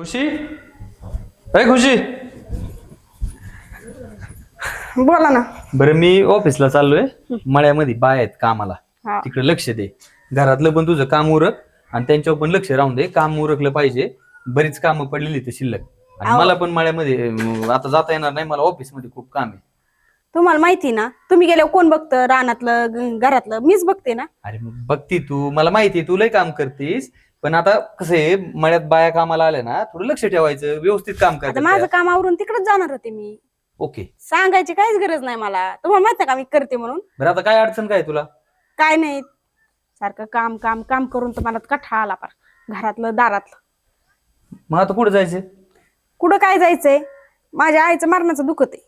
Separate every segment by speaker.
Speaker 1: खुशी, अय खुशी.
Speaker 2: बोला ना.
Speaker 1: बरं मी ऑफिसला चाललोय. मळ्यामध्ये बाय आहेत कामाला.
Speaker 2: हा.
Speaker 1: तिकडे लक्ष दे. घरातलं पण तुझं काम उरक आणि त्यांच्यावर पण लक्ष राहून दे. काम उरकलं पाहिजे. बरीच कामं पडलेली ते शिल्लक. आणि मला पण मळ्यामध्ये आता जाता येणार नाही. मला ऑफिसमध्ये खूप काम आहे.
Speaker 2: तुम्हाला माहिती ना, तुम्ही गेल्यावर कोण बघतं रानातलं घरातलं? मीच बघते ना.
Speaker 1: अरे मग बघती तू, मला माहिती आहे तू लय काम करतीस. पण आता कसं आहे, मळ्यात बाया कामाला आल्या ना, थोडं लक्ष ठेवायचं, व्यवस्थित काम
Speaker 2: आता
Speaker 1: करायचं.
Speaker 2: माझं काम आवरून तिकडेच जाणार होते मी.
Speaker 1: ओके.
Speaker 2: सांगायची काहीच गरज नाही मला. तुम्हाला माहित का मी करते म्हणून?
Speaker 1: बरं आता काय अडचण काय तुला?
Speaker 2: काय नाही, सारखं काम काम काम करून तर मला कठा आला पार घरातलं दारातलं.
Speaker 1: मग आता कुठे जायचं?
Speaker 2: कुठं काय जायचंय? माझ्या आईचं मरणाचं दुखत आहे.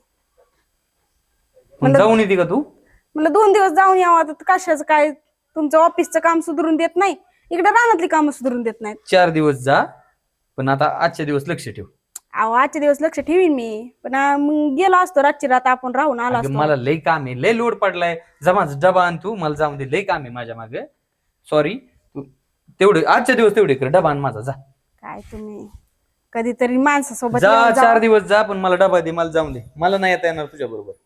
Speaker 1: मग जाऊन येते का तू?
Speaker 2: म्हणलं 2 दिवस जाऊन यावं. आता कशाचं काय, तुमचं ऑफिसचं काम सुधरून देत नाही, इकडे रानातली कामं सुधरून देत नाहीत.
Speaker 1: 4 दिवस जा, पण आता आजच्या दिवस लक्ष ठेव.
Speaker 2: अहो आजचे दिवस लक्ष ठेवीन मी, पण मग गेलो असतो रातची रात आपण राहून आलो
Speaker 1: अगं
Speaker 2: असतो.
Speaker 1: मला लय काम आहे, लय लोड पडलाय. जमा डबा आण तू, मला जाऊन दे, लय काम आहे माझ्या मागे. सॉरी, तू तेवढे आजच्या दिवस तेवढे कर, डबा आण माझा जा.
Speaker 2: काय तुम्ही कधीतरी माणसासोबत
Speaker 1: जा,
Speaker 2: येऊन
Speaker 1: 4 दिवस जा, पण मला डबा दे, मला जाऊन दे. मला नाही येता येणार तुझ्या बरोबर.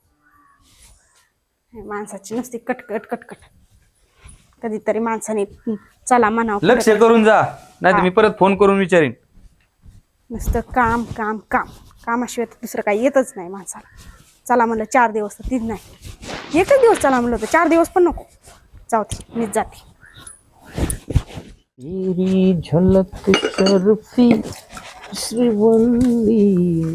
Speaker 2: माणसाची नुसती कटकट कटकट. कधीतरी माणसाने चला म्हणावं.
Speaker 1: लक्ष करून जा, नाही तर मी परत फोन करून विचारीन.
Speaker 2: नुसतं काम काम काम, कामाशिवाय तर दुसरं काही येतच नाही माणसाला. चला म्हणलं 4 दिवस तर तीच नाही, एकच दिवस चला म्हणलं होतं, 4 दिवस पण नको. जाऊ दे, मीच जाते.
Speaker 1: तेरी झलक शर्फी श्रीवल्ली.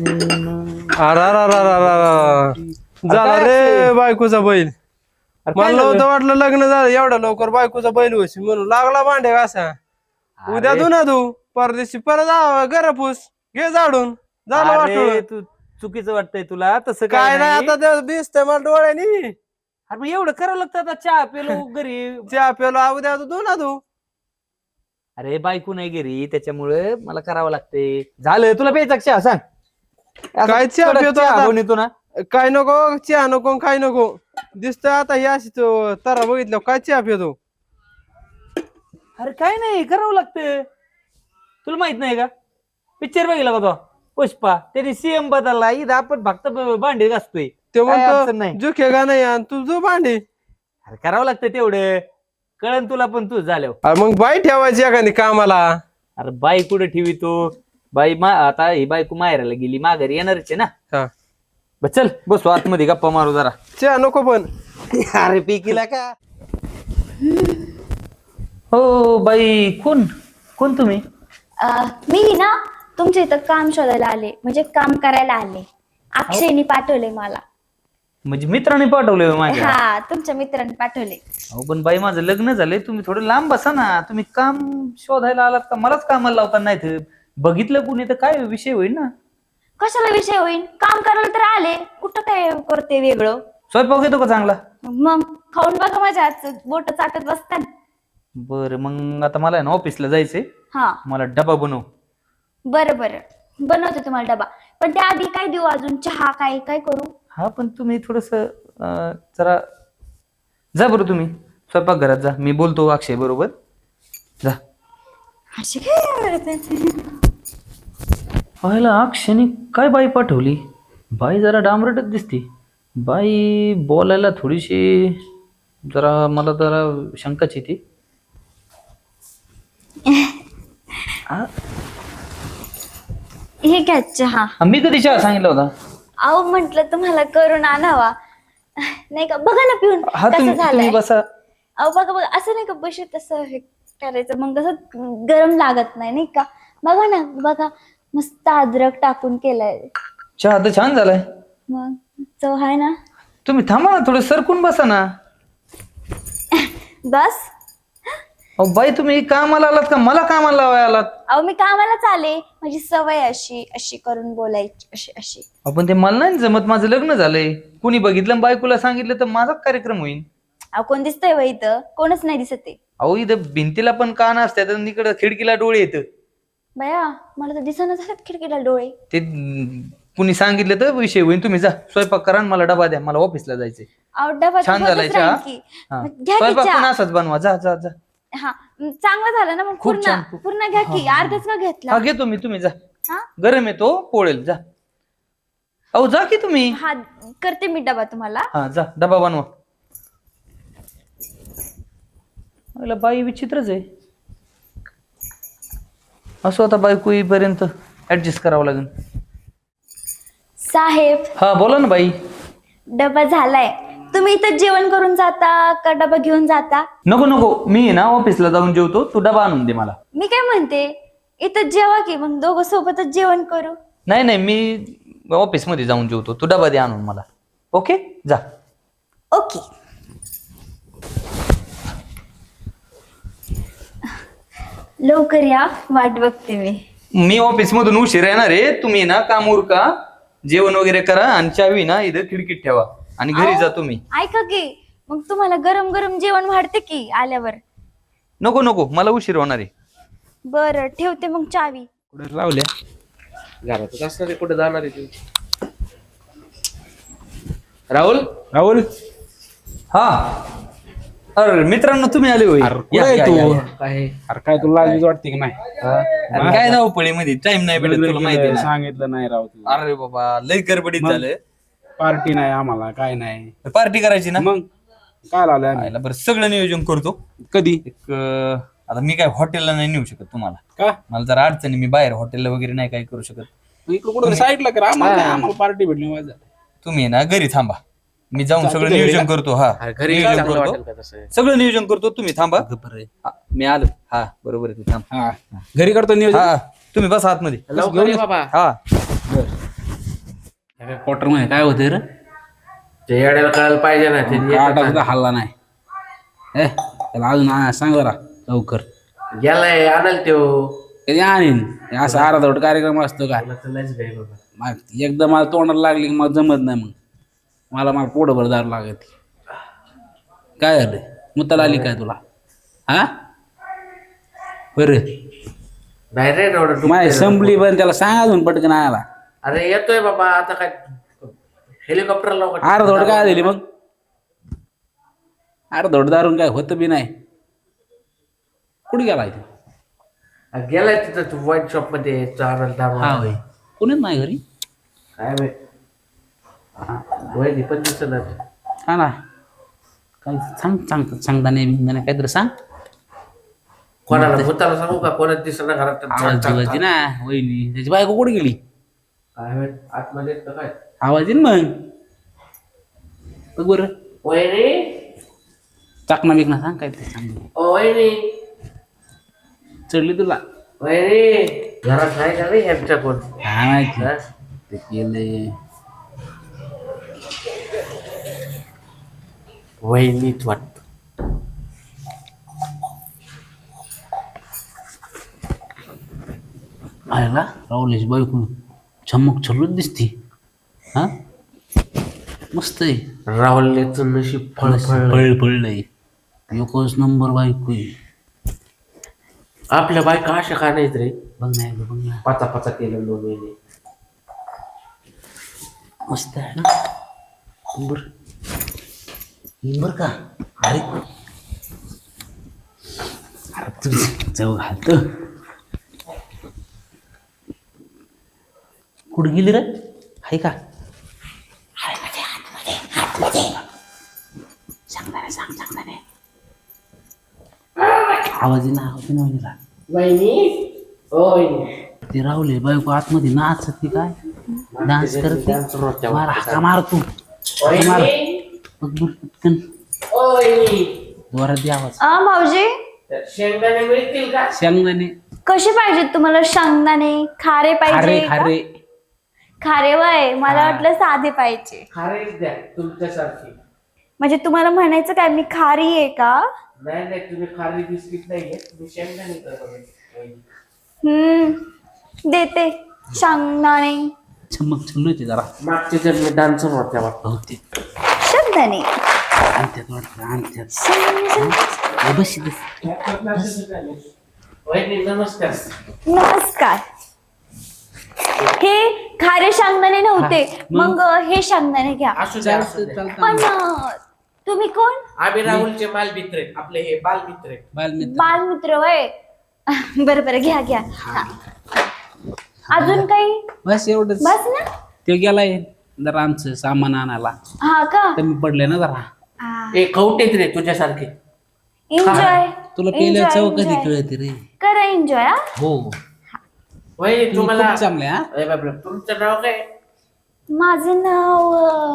Speaker 3: झाला रे बायकोचा बैल. मला नव्हतं वाटलं लग्न झालं एवढ्या लवकर बायकोचा बैल होशी म्हणून लागला भांडे घासा. उद्या धुना तू, परदेशी परत गरपूस घे झाडून. झालं वाटलं
Speaker 1: तू चुकीचं वाटतंय तुला, तसं
Speaker 3: काय नाही. आता ते दिसतंय मला डोळ्यानी.
Speaker 1: अरे मग एवढं करावं लागतं आता, चहा पेलो घरी.
Speaker 3: चहा प्याला उद्या धुना तू.
Speaker 1: अरे बायको नाही घरी, त्याच्यामुळे मला करावं लागते. झालं तुला प्यायचा चहा सांग.
Speaker 3: काय चहा
Speaker 1: थोडा
Speaker 3: पितो
Speaker 1: चहा
Speaker 3: आता?
Speaker 1: बनवतो ना.
Speaker 3: काय नको चहा नको काय नको. दिसतंय आता ही अशी तरा बघितलं काय चहा पितो.
Speaker 1: अरे काय नाही, करावं लागतं. तुला माहित नाही का, पिक्चर बघितला का तो पुष्पा? त्याने सीएम बदलला, इथं आपण फक्त भांडे घासतोय.
Speaker 3: ते
Speaker 1: काय अडचण नाही.
Speaker 3: म्हणतो जुखे नाही आणि तू जो भांडी.
Speaker 1: अरे करावं लागतं तेवढं, कळण तुला पण तू झाल्यावर.
Speaker 3: अरे मग बाई ठेवायची एखादी कामाला.
Speaker 1: अरे बाई कुठे ठेवी तो? बाई आता ही बायको माहेराला गेली, माघारी येणारच आहे ना.
Speaker 3: हा
Speaker 1: बस चल, बसू आतमध्ये, गप्पा मारू जरा.
Speaker 3: चहा नको पण.
Speaker 1: अरे पिकीला का? हो बाई, कोण कोण तुम्ही?
Speaker 4: मी ना तुमच्या इथं काम शोधायला आले, म्हणजे काम करायला आले. अक्षयनी पाठवले मला.
Speaker 1: म्हणजे मित्राने पाठवले माझ्या?
Speaker 4: हा, तुमच्या मित्रांनी पाठवले.
Speaker 1: अहो पण बाई माझं लग्न झालंय, तुम्ही थोडं लांब बसा ना. तुम्ही काम शोधायला आलात का? मलाच कामाला लावता नाही तर बघितलं कुणी तर काय विषय होईल ना.
Speaker 4: कशाला विषय होईल? काम करायला तर आले, कुठं काय करते वेगळं?
Speaker 1: स्वयंपाक येतो का चांगला?
Speaker 4: मग खाऊन बघा माझ्या हातचं, बोट चाटत बसतात.
Speaker 1: बरं मग आता मला आहे ना ऑफिसला जायचंय.
Speaker 4: हा
Speaker 1: मला डबा बनव.
Speaker 4: बरं बरं, बनवते तुम्हाला डबा. पण त्याआधी काय देऊ अजून? चहा काय काय करू?
Speaker 1: हा पण तुम्ही थोडस जरा जा बरं, तुम्ही स्वयंपाक घरात जा, मी बोलतो अक्षय बरोबर. जा.
Speaker 4: अशी काय
Speaker 1: पाहिलं अक्षयने काय बाई पाठवली. बाई जरा डांबरटच दिसती. बाई बोलायला थोडीशी जरा मला जरा शंकाच येते.
Speaker 4: हे घ्या चहा.
Speaker 1: मी कधी चहा सांगितला होता?
Speaker 4: अहो म्हंटल तुम्हाला करून आणावा, नाही का? बघा ना पिऊन
Speaker 1: हा
Speaker 4: कसं
Speaker 1: तुम्ही
Speaker 4: झालंय.
Speaker 1: बसा.
Speaker 4: अहो बघा बघा, असं नाही का बशी तसं हे करायचं, मग कसं गरम लागत नाही, नाही का? बघा ना, बघा मस्त अद्रक टाकून केलाय.
Speaker 1: चहा तर छान झालाय.
Speaker 4: मग चव आहे ना.
Speaker 1: तुम्ही थांबा ना, थोडं सरकून बसा ना.
Speaker 4: बस.
Speaker 1: अहो बाई तुम्ही कामाला आलात का मला कामाला लावायला आलात?
Speaker 4: अहो मी कामालाच आले, माझी सवय अशी अशी करून बोलायची, अशी अशी.
Speaker 1: आपण ते मला नाही जमत, माझं लग्न झालंय. कुणी बघितलं बायकोला सांगितलं तर माझाच कार्यक्रम होईल.
Speaker 4: अहो कोण दिसतंय वय इथं? कोणच नाही दिसत आहे.
Speaker 1: अहो इथं भिंतीला पण कान असतात आणि इकडं खिडकीला डोळे येत.
Speaker 4: बया मला तर दिसना झाल्यात खिडकीला डोळे.
Speaker 1: ते कुणी सांगितलं तर विषय होईल. तुम्ही जा स्वयंपाक करा आणि मला डबा द्या, मला ऑफिसला जायचंय.
Speaker 4: अहो डबा तर
Speaker 1: छान झालाय
Speaker 4: होतच
Speaker 1: चहा.
Speaker 4: राहील की.
Speaker 1: हा.
Speaker 4: मग घ्या की
Speaker 1: स्वयंपाक
Speaker 4: चहा.
Speaker 1: पण असाच बनवा. जा जा जा.
Speaker 4: हा चांगलं झालं ना मग.
Speaker 1: खूप
Speaker 4: पूर्ण
Speaker 1: छान.
Speaker 4: पूर्ण घ्या की. अर्धच का घेतला?
Speaker 1: हा घेतो मी, तुम्ही जा.
Speaker 4: हा
Speaker 1: गरम आहे तो, पोळेल. जा अहो जा की तुम्ही.
Speaker 4: हा करते मी डबा तुम्हाला.
Speaker 1: हा जा डबा बनवा. मला बाई विचित्रच आहे. असं आता बायको येईपर्यंत ऍडजस्ट करावं लागेल.
Speaker 4: साहेब
Speaker 1: हा बोला ना बाई.
Speaker 4: डबा झालाय. तुम्ही इथं जेवण करून जाता का डबा घेऊन जाता?
Speaker 1: नको नको, मी ना ऑफिसला जाऊन जेवतो, तू डबा आणून दे मला.
Speaker 4: मी काय म्हणते इथं जेवा की मग दोघं सोबतच जेवण करू.
Speaker 1: नाही नाही, मी ऑफिसमध्ये जाऊन जेवतो, तू डबा दे आणून मला. ओके जा.
Speaker 4: ओके. लवकर या, वाट बघते मी.
Speaker 1: मी ऑफिस मधून उशीर येणार आहे. तुम्ही ना काम उरका, जेवण वगैरे करा आणि चावी ना इथं खिडकीत ठेवा आणि घरी जा तुम्ही.
Speaker 4: ऐका की मग तुम्हाला गरम गरम जेवण वाढते की आल्यावर.
Speaker 1: नको नको, मला उशीर होणार आहे.
Speaker 4: बरं ठेवते मग चावी.
Speaker 3: कुठे लावल्या
Speaker 5: घरातच असणार आहे, कुठे जाणार आहे तू? राहुल
Speaker 3: राहुल
Speaker 1: हा अरे मित्रांनो, तुम्ही आले होय.
Speaker 3: कुठे
Speaker 1: या,
Speaker 3: आहे
Speaker 1: या,
Speaker 3: तू?
Speaker 1: या, या.
Speaker 5: काय
Speaker 3: अरे काय तुला लाज वाटते की नाही?
Speaker 1: अरे काय धावपळीमध्ये टाइम नाही भेटत, तुला माहिती आहे ना.
Speaker 3: सांगितलं नाही राव तू.
Speaker 1: अरे बाबा लय गडबडीत झालं.
Speaker 3: पार्टी नाही आम्हाला, काय नाही.
Speaker 1: पार्टी करायची ना.
Speaker 3: मग काय लावलंय आम्ही?
Speaker 1: आयला बरं, सगळं नियोजन करतो.
Speaker 3: कधी
Speaker 1: एक आता मी काय हॉटेलला नाही नेऊ शकत तुम्हाला.
Speaker 3: का
Speaker 1: मला जरा अडचणी, मी बाहेर हॉटेलला वगैरे नाही काय करू शकत.
Speaker 3: इकडं कुठं साईडला करा, आम्हाला काय, आम्हाला पार्टी भेटली माझं.
Speaker 1: तुम्ही ना घरी थांबा, मी जाऊन सगळं नियोजन करतो. हा
Speaker 5: घरी
Speaker 1: नियोजन
Speaker 5: चांगलं
Speaker 1: करतो,
Speaker 5: वाटेल का तसं?
Speaker 1: सगळं नियोजन करतो. तुम्ही थांबा. हा, मी आलो. हा बरोबर आहे, तू थांब.
Speaker 3: हा घरी करतो नियोजन.
Speaker 1: हा तुम्ही बसा आतमध्ये.
Speaker 5: लवकर ये बाबा.
Speaker 1: हा
Speaker 3: क्वार्टर मध्ये काय होते रे?
Speaker 5: ते येड्याला कळायला पाहिजे ना ते.
Speaker 3: आटा सुद्धा हल्ला नाही. त्याला अजून सांग जरा लवकर.
Speaker 5: गेलाय आणाल त्यो.
Speaker 3: कधी आणीन असा अर्धवट कार्यक्रम असतो का? एकदा मला तोंडाला लागली की मला जमत नाही. मग मला पोटभर दार लागत. काय झालं, मुताला आली काय तुला? हा बरं
Speaker 5: नाही रे एवढं
Speaker 3: माय संपली, पण त्याला सांग अजून पटकन आला.
Speaker 5: अरे येतोय बाबा, आता काय हेलिकॉप्टरला
Speaker 3: अर्धवट काय झाली मग? अर्धवट दारून काय होतं बी नाही. कुठे गेला इथे?
Speaker 5: गेलाय तिथं वाईन शॉप मध्ये
Speaker 3: हा होय, कोणीच नाही घरी.
Speaker 5: काय वहिनी पण दिसत.
Speaker 3: हा ना, काय सांगता नाही काहीतरी सांग.
Speaker 5: कोणाला भूताला सांगू का? कोणाच दिसत ना घरात.
Speaker 3: आवाज दिवायची ना वहिनी, त्याची बायको कुठे गेली?
Speaker 5: काय माहित, आतमध्ये येतं काय?
Speaker 3: आवाज येईन मग बघ बरं.
Speaker 5: वहिनी,
Speaker 3: चाकणा बिकणा सांग काय ते सांग.
Speaker 5: ओ वहिनी,
Speaker 3: चढली तुला?
Speaker 5: वहिनी घरात आहे का नाही ह्यांच्या कोण?
Speaker 3: काय माहिती ते केलंय.
Speaker 5: वहिनीच वाटत.
Speaker 3: आयला राहुलेची बायको चमक छल्लूच दिसती. हा मस्त आहे.
Speaker 5: राहुलच नशीब फळ
Speaker 3: पळलंय. एकच नंबर बायको आहे.
Speaker 5: आपल्या बायका अशा का नाहीत रे?
Speaker 3: बघ ना
Speaker 5: पाचा पाचा केलं 2 महिने.
Speaker 3: मस्त आहे ना. बर का? अरे तुझी चव घालत. कुठं गेली रे? हाय का? सांगताने आवाज ना वहिनीला.
Speaker 5: वहिनी, ओ वहिनी,
Speaker 3: ते राहुले बायको आतमध्ये नाचते काय, डान्स करते. मार हाका मार तू. मार बघ बघ पटकन.
Speaker 5: ओ वहिनी,
Speaker 3: जोरात दे आवाज.
Speaker 4: भाऊजी
Speaker 5: शेंगदाणे मिळतील का?
Speaker 3: शेंगदाणे
Speaker 4: कसे पाहिजेत तुम्हाला? शेंगदाणे खारे
Speaker 3: खारे
Speaker 4: पाहिजे का?
Speaker 3: खारे
Speaker 4: खारे वय मला वाटलं साधे पाहिजे.
Speaker 5: खारेच द्या तुमच्यासारखी.
Speaker 4: म्हणजे तुम्हाला म्हणायचं काय मी खारी आहे का?
Speaker 5: नाही नाही, तुम्ही खारी बिस्किट नाही घेत, तुम्ही शेंगदाणे करा वहिनी.
Speaker 4: देते शेंगदाणे.
Speaker 3: चमक छल्लूचे जरा
Speaker 5: मागच्या जन्मी डान्सर होत्या वाटतं.
Speaker 3: बहुतेक
Speaker 4: शेंगदाणे
Speaker 3: आणत्यात वाटतं आणत्यात. बस
Speaker 5: वहिनी नमस्कार.
Speaker 4: नमस्कार. हे खारे शेंगदाणे नव्हते, मग हे शेंगदाणे घ्या.
Speaker 5: असू द्या, असू द्या.
Speaker 4: पण तुम्ही कोण?
Speaker 5: आम्ही राहुलचे बालमित्र आहेत. आपले हे बालमित्र आहेत.
Speaker 3: बालमित्र
Speaker 4: बालमित्र वय. बरं घ्या. अजून काही
Speaker 6: बस एवढंच.
Speaker 4: बस ना.
Speaker 6: ते गेलाय जरा आमचं सामान आणायला,
Speaker 4: हा का.
Speaker 6: कमी पडले ना जरा.
Speaker 5: ए खवटेत रे तुझ्यासारखे.
Speaker 4: एन्जॉय.
Speaker 6: तुला पहिल्या चव कधी कळते रे.
Speaker 4: करा एन्जॉय.
Speaker 6: हो
Speaker 5: वहिनी
Speaker 6: तुम्ही
Speaker 5: तुम्हाला
Speaker 6: खूप चांगले हा.
Speaker 5: अरे बापरे, तुमचं नाव काय?
Speaker 4: माझं नाव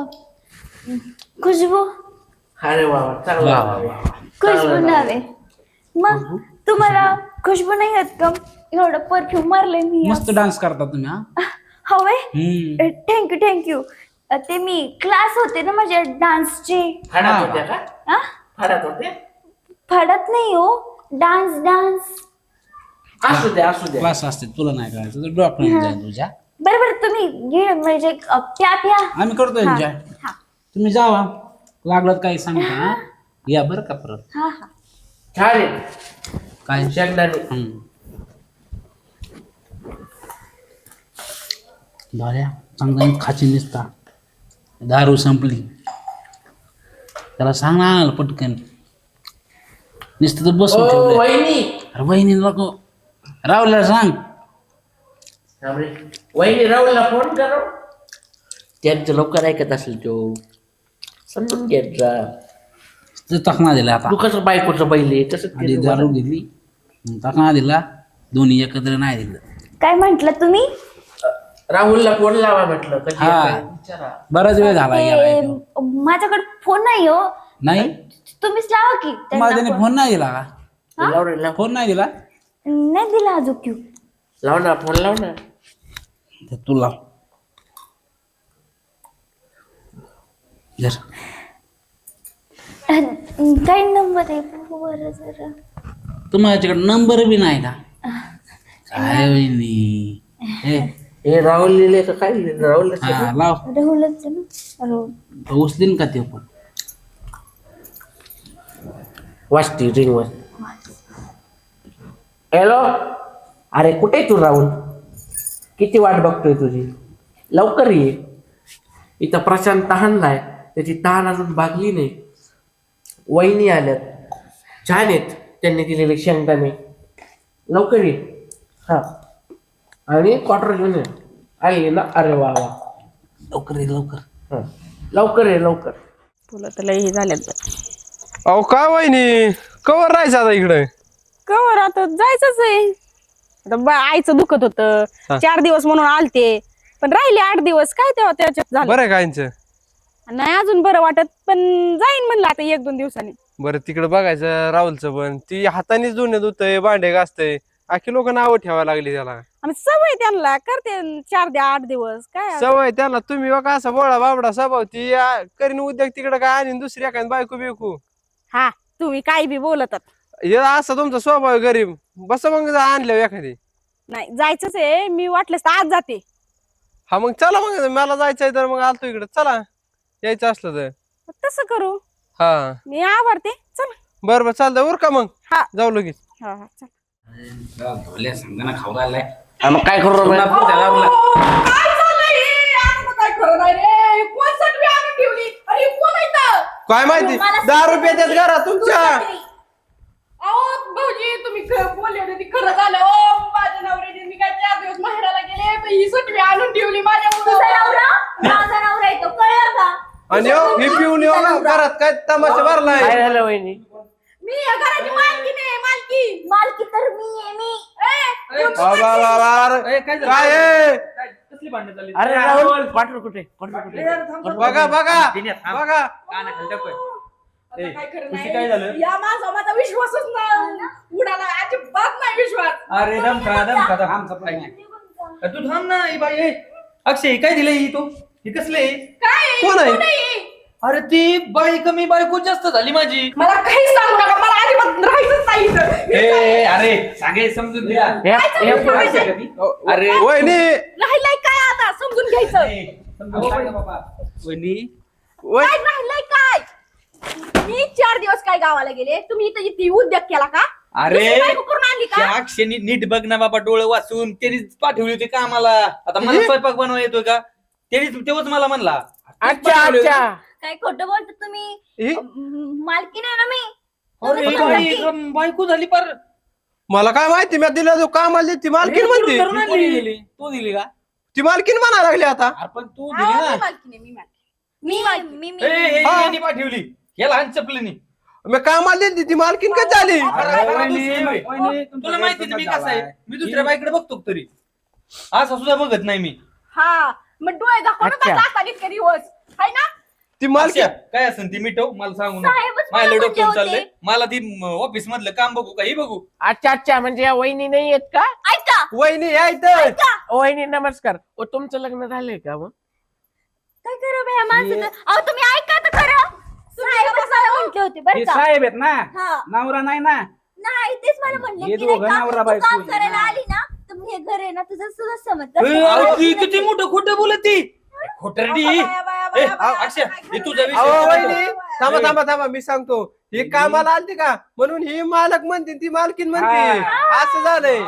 Speaker 4: खुशबू.
Speaker 5: अरे वा वा, चांगलं
Speaker 6: वा,
Speaker 5: नाव
Speaker 6: वा,
Speaker 5: आहे.
Speaker 4: खुशबू नाव आहे. मग तुम्हाला खुशबू नाही येत का? एवढं परफ्यूम मारलंय मी.
Speaker 6: मस्त डान्स करता तुम्ही हा.
Speaker 4: हवंय.
Speaker 6: हम्म.
Speaker 4: थँक्यू. ते मी क्लास होते ना माझ्या डान्सचे.
Speaker 5: फाडात होत्या का?
Speaker 4: हा?
Speaker 5: फाडात होत्या?
Speaker 4: फडत नाही हो. डान्स.
Speaker 5: असू द्या असू द्या.
Speaker 6: क्लास असते तुला नाही करायचं तर डॉक्टर जाईल तुझ्या.
Speaker 4: बरोबर तुम्ही घे म्हणजे प्या.
Speaker 6: आम्ही करतो एन्जॉय.
Speaker 4: हा.
Speaker 6: तुम्ही जावा, लागलं काही सांगता हा? या बरं का परत.
Speaker 4: हा.
Speaker 5: छान आहे.
Speaker 6: काय
Speaker 5: शेंगदाणे.
Speaker 6: भाऱ्या चांगला खाची निसता, दारू संपली, त्याला सांग ना आणायला पटकन. नुसतं तर बसून
Speaker 5: ओ
Speaker 6: ठेवलंय.
Speaker 5: वहिनी.
Speaker 6: अरे वहिनी नको, राहुलला सांग.
Speaker 5: थांब रे. वहिनी राहुलला फोन करो. त्यांचं लवकर ऐकत असेल तो, समजून घेत जा.
Speaker 6: टाकणा दिला आता.
Speaker 5: तू कसं बायकोचं बैल आहे तसंच
Speaker 6: आधी
Speaker 5: केलं
Speaker 6: दारू
Speaker 5: मला.
Speaker 6: घेतली, टाकणा दिला, दोन्ही एकत्र नाही दिलं.
Speaker 4: काय म्हंटल तुम्ही?
Speaker 5: राहुलला फोन लावा म्हटलं. कधी
Speaker 6: हा.
Speaker 5: येतोय विचारा.
Speaker 6: बराच वेळ झाला गेलाय तो.
Speaker 4: माझ्याकडे फोन नाही हो.
Speaker 6: नाही
Speaker 4: तुम्हीच लावा की त्यांना
Speaker 6: माझ्याने
Speaker 4: phone.
Speaker 6: फोन नाही दिला का?
Speaker 5: लाव रे लाव.
Speaker 6: फोन नाही दिला
Speaker 4: नाही दिला अजून क्यू.
Speaker 5: लाव ना फोन लाव ना.
Speaker 6: तर तू लाव. जर
Speaker 4: काय नंबर आहे बरं जरा.
Speaker 6: तुम्हाच्याकडे नंबर बी नाही का? काय वहिनी ए,
Speaker 5: हे राहुल लिहिले का काय लिहिले? राहुल
Speaker 6: हा, लाव.
Speaker 4: राहुलच आहे ना. राहुल.
Speaker 6: उचलीन का ते पण?
Speaker 5: वाजती रिंग वर. हॅलो. अरे कुठे आहे तू राहुल? किती वाट बघतोय तुझी. लवकर ये. इथं प्रशांत तहानलाय, त्याची तहान अजून भागली नाही. वहिनी आल्यात, छान आहेत त्यांनी दिलेले शेंगदाणे. लवकर ये. हा. आणि क्वार्टर घेऊन ये. आली ना? अरे वा वा.
Speaker 6: लवकर ये लवकर.
Speaker 5: हा. लवकर ये लवकर.
Speaker 2: तुला तर लई झाल्यात.
Speaker 3: अहो काय वहिनी, कवर राहायचं आता इकडे?
Speaker 2: कवर आता जायचंच आहे. आता आईचं दुखत होतं, 4 दिवस म्हणून आलते, पण राहिले 8 दिवस. काय तेव्हा त्याच्यात झालं
Speaker 3: बरं आहे का यांचं?
Speaker 2: नाही अजून बरं वाटत, पण जाईन म्हणलं आता 1-2 दिवसांनी.
Speaker 3: बरं तिकडे बघायचं राहुलचं पण, ती हातानेच धुण्यात धुतय, भांडे घासतय, आखी लोक नावं ठेवायला लागली त्याला.
Speaker 2: आम्ही सवय त्यांना करते 4-8 दिवस काय आता.
Speaker 3: सवय त्यांना. तुम्ही बघा असा बोळा बाबडा स्वभाव, ती करीन उद्योग तिकडे काय आणि दुसरी एखादी बायको बिकू.
Speaker 2: हा तुम्ही काही बी बोलतात.
Speaker 3: हे असा तुमचा स्वभाव आहे गरीब. बस मग आणल्या एखादी.
Speaker 2: नाही जायचंच आहे, मी वाटलंच तर आज जाते.
Speaker 3: हा मग चला, मग मला जायचंय तर मग आलतो इकडे. चला यायचं असलं तर.
Speaker 2: तसं करू,
Speaker 3: हा
Speaker 2: मी आवडते. चल.
Speaker 3: बरं बरं चालतंय. उर का मग?
Speaker 2: हा.
Speaker 3: जाऊ लगेच.
Speaker 2: हा हा चल.
Speaker 6: धोल्या सांगताना खाऊ राहिलाय.
Speaker 5: मग काय करू रे?
Speaker 2: काय चाललंय? आता काय खरं नाही रे. कोण सटवी आणून ठेवली? अरे कोण आहे इथं?
Speaker 3: काय माहिती, 10 रुपये देत घरात तुमच्या.
Speaker 2: अहो भाऊजी तुम्ही बोलले होते ते खरं झालं. ओ माझ्या नवऱ्याने मी काय 4 दिवस माहेराला गेले तर ही सटवी आणून ठेवली माझ्या
Speaker 4: तुझा नवरा माझा नवरा येतो कळलं का?
Speaker 3: आणि हे पिऊन येऊ ना घरात काय तमाशा भरलाय.
Speaker 5: काय झालं वहिनी?
Speaker 2: मी या घराची मालकी नाही.
Speaker 4: मालकी तर मी आहे मी.
Speaker 3: बाबा बाबा, अरे काय आहे?
Speaker 1: कसली भांडण झाली?
Speaker 5: अरे राहुल क्वार्टर कुठे? क्वार्टर कुठे?
Speaker 3: बघा बघा बघा.
Speaker 1: कानाखाली टाकूय. ए,
Speaker 2: काय खरं
Speaker 1: खुशी
Speaker 2: नाही.
Speaker 1: काय झालं?
Speaker 2: या माझा विश्वासच नाही उडाला. अजिबात नाही विश्वास.
Speaker 1: अरे दमका
Speaker 6: आमचा plan आहे.
Speaker 1: तू थांब ना. ही बाई ए, अक्षय काय दिलंय ही तो? ही कसले?
Speaker 2: काय
Speaker 3: कोण आहे?
Speaker 2: नाही.
Speaker 1: अरे ती बाई कमी बायको जास्त झाली माझी.
Speaker 2: मला काही सांगू नका. मला अजिबात राहायचंच नाही इथं.
Speaker 1: ए अरे सांगे समजून दिला. अरे
Speaker 3: वहिनी
Speaker 2: राहिलंय काय आता समजून घ्यायचं.
Speaker 1: समजून सांगा बाबा. वहिनी
Speaker 2: काय राहिलंय काय? मी 4 दिवस काय गावाला गेले, तुम्ही इथं इथे उद्योग केला का?
Speaker 1: अरे
Speaker 2: दुसरी बायको करून आणली का?
Speaker 1: त्या क्षणी नीट बघ ना बाबा, डोळे वाचून त्यांनीच पाठवली होती का आम्हाला. आता मला स्वयंपाक बनवा येतोय का? तेव्हाच मला म्हणला.
Speaker 5: अच्छा अच्छा.
Speaker 4: काय खोटं बोलतो तुम्ही?
Speaker 3: ही?
Speaker 4: मालकी नाही ना मी.
Speaker 1: अरे बाई, बायको झाली पर.
Speaker 3: मला काय माहिती मी दिला जो कामाला ती मालकीन म्हणते
Speaker 6: कोणी दिली तू दिली का
Speaker 3: ती मालकीन म्हणायला लागली आता.
Speaker 6: अरे पण तू दिली ना
Speaker 1: यांनी पाठवली या लहान चपलीनी.
Speaker 3: मी कामाला दिली ती मालकीन कधी झाली.
Speaker 1: तुला माहिती ना मी कसा आहे, मी दुसऱ्या बाईकडे बघतो का तरी, असं सुद्धा बघत नाही मी.
Speaker 2: हा मग डोळे दाखवून इतके दिवस हाय ना.
Speaker 3: ती मालकीन
Speaker 1: अच्छा, काय असेल ती मिटव मला सांगू नका.
Speaker 4: साहेबच
Speaker 1: माझ्या
Speaker 4: मला
Speaker 1: डोक्यावर
Speaker 4: म्हणले
Speaker 1: चाललंय.
Speaker 4: होते.
Speaker 1: मला ती ऑफिस मधलं काम बघू का हे बघू.
Speaker 7: अच्छा म्हणजे या वहिनी नाही आहेत का?
Speaker 4: ऐका
Speaker 3: वहिनी यायचं.
Speaker 7: वहिनी नमस्कार. ओ तुमचं लग्न झालंय का मग?
Speaker 4: काय करू बे या माणसाचं? अहो तुम्ही ऐका तर खरं. साहेबच मला म्हटले होते बरं
Speaker 6: हे
Speaker 4: का.
Speaker 6: साहेब आहेत ना,
Speaker 4: हा
Speaker 6: नवरा नाही ना.
Speaker 4: नाही तेच मला म्हणले
Speaker 6: हे
Speaker 4: की नाही
Speaker 6: दोघं
Speaker 4: का,
Speaker 6: नवरा
Speaker 4: तू
Speaker 6: बायको
Speaker 4: काम
Speaker 6: आहे.
Speaker 4: करायला आली ना तर मग हे घर आहे ना तुझं सुद्धा
Speaker 1: ए,
Speaker 4: समजतं.
Speaker 1: अहो, ती किती मोठं खोटं बोलत ती. खोटरडी. ए, अक्षय, हे तुझा
Speaker 3: अहो
Speaker 1: विषय
Speaker 3: वहिनी थांबा मी सांगतो. ही कामाला आलती का म्हणून ही मालक म्हणते ती मालकीन म्हणते. असं झालंय.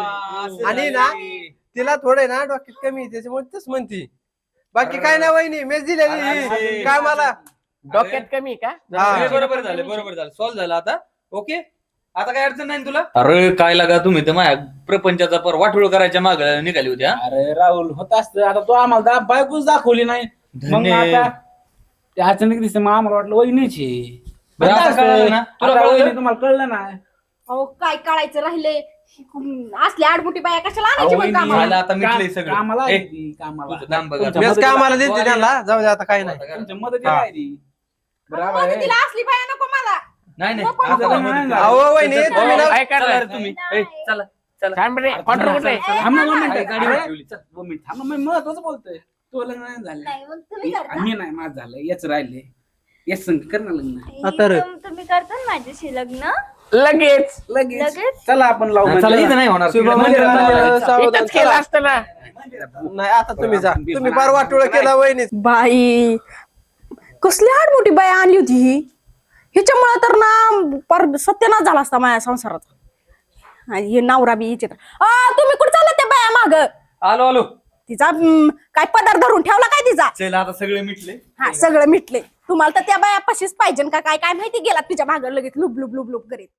Speaker 3: आणि ना तिला थोडे ना डोक्यात कमी आहे, त्याच्यामुळे तस म्हणती. बाकी काय नाही वहिनी मेच दिलेली कामाला.
Speaker 7: डोक्यात कमी का?
Speaker 3: हा.
Speaker 1: बरोबर झालं सॉल्व्ह झालं आता. ओके, आता काय अडचण नाही ना तुला. अरे काय लागा तुम्ही तर माझ्या प्रपंचाचा पर वाटोळ करायच्या माग निघाली होती.
Speaker 6: अरे राहुल होत असतं. आता तू आम्हाला बायकोच दाखवली नाही, मग
Speaker 1: धन्य.
Speaker 6: आता ते अचानक दिसते. मग आम्हाला वाटलं वहिनीची.
Speaker 1: बरं, आता कळलं ना? तुला
Speaker 6: आता
Speaker 1: कळलं?
Speaker 6: वहिनी तुम्हाला कळलं ना?
Speaker 2: अहो काय काढायचं राहिले असले आडमुठी बाया कशाला आणायची
Speaker 6: अहो,
Speaker 2: पण
Speaker 6: वहिनी,
Speaker 2: कामाला?
Speaker 1: झालं आता मिटलंय सगळं.
Speaker 6: कामाला
Speaker 1: ए,
Speaker 6: आली ती, कामाला.
Speaker 1: तुझं काम बघा.
Speaker 6: तुमच्या
Speaker 3: मेच
Speaker 6: मदतीला-
Speaker 3: कामाला दिली त्यांना. जाऊ दे आता काय नाही.
Speaker 6: तुमच्या मदतीला आहे ती. बरोबर आहे.
Speaker 2: तिला असली बाया नको मला.
Speaker 1: नाही नाही
Speaker 2: नको,
Speaker 1: आता
Speaker 2: नको.
Speaker 1: काय मदत करा.
Speaker 3: अहो वहिनी तुम्ही ना
Speaker 7: काय करणार?
Speaker 1: चला रे तुम्ही. ए, चला चला.
Speaker 7: थांब रे, क्वार्टर कुठे आहे?
Speaker 6: थांब ना 2
Speaker 1: अरे,
Speaker 6: मिनिटं.
Speaker 1: गाडीवर
Speaker 6: अरे,
Speaker 1: ठेवली, चल.
Speaker 6: 2 मिनिटं थांब ना, मी महत्वाचं बोलतोय. तो लग्न नाही झालं.
Speaker 4: नाही मग तुम्ही करता.
Speaker 6: मी नाही, माझं झालं. याच राहिले. याच संग कर ना लग्न.
Speaker 3: आता रे.
Speaker 4: तुम्ही करता ना माझ्याशी लग्न
Speaker 7: लगेच
Speaker 6: लगेच
Speaker 4: लगेच?
Speaker 6: चला आपण लावू.
Speaker 1: चला इथं नाही होणार.
Speaker 3: शुभम
Speaker 1: तिकडे
Speaker 3: मंदिरात
Speaker 1: मंदिरात
Speaker 3: सावधान
Speaker 7: इथंच केलं
Speaker 3: चला.
Speaker 7: असतं ना.
Speaker 3: नाही आता तुम्ही जा. तुम्ही फार वाटोळ केला वहिनी.
Speaker 2: बाई कसली आडमुठी बाया आणली होती ही. ह्याच्यामुळे तर ना पर सत्यानाश झाला असता माझ्या संसाराचा. आणि हे नवरा बी हिचे तर तुम्ही कुठे चालला त्या बाया माग?
Speaker 1: आलो
Speaker 2: तिचा काय पदार्थ धरून ठेवला काय तिचा?
Speaker 1: चल आता सगळे मिटले.
Speaker 2: हा सगळं मिटले. तुम्हाला तर त्या बाया पशीच पाहिजे का काय काय माहिती. गेला तिच्या माग लगेच लुब लुब लुब लुब करीत.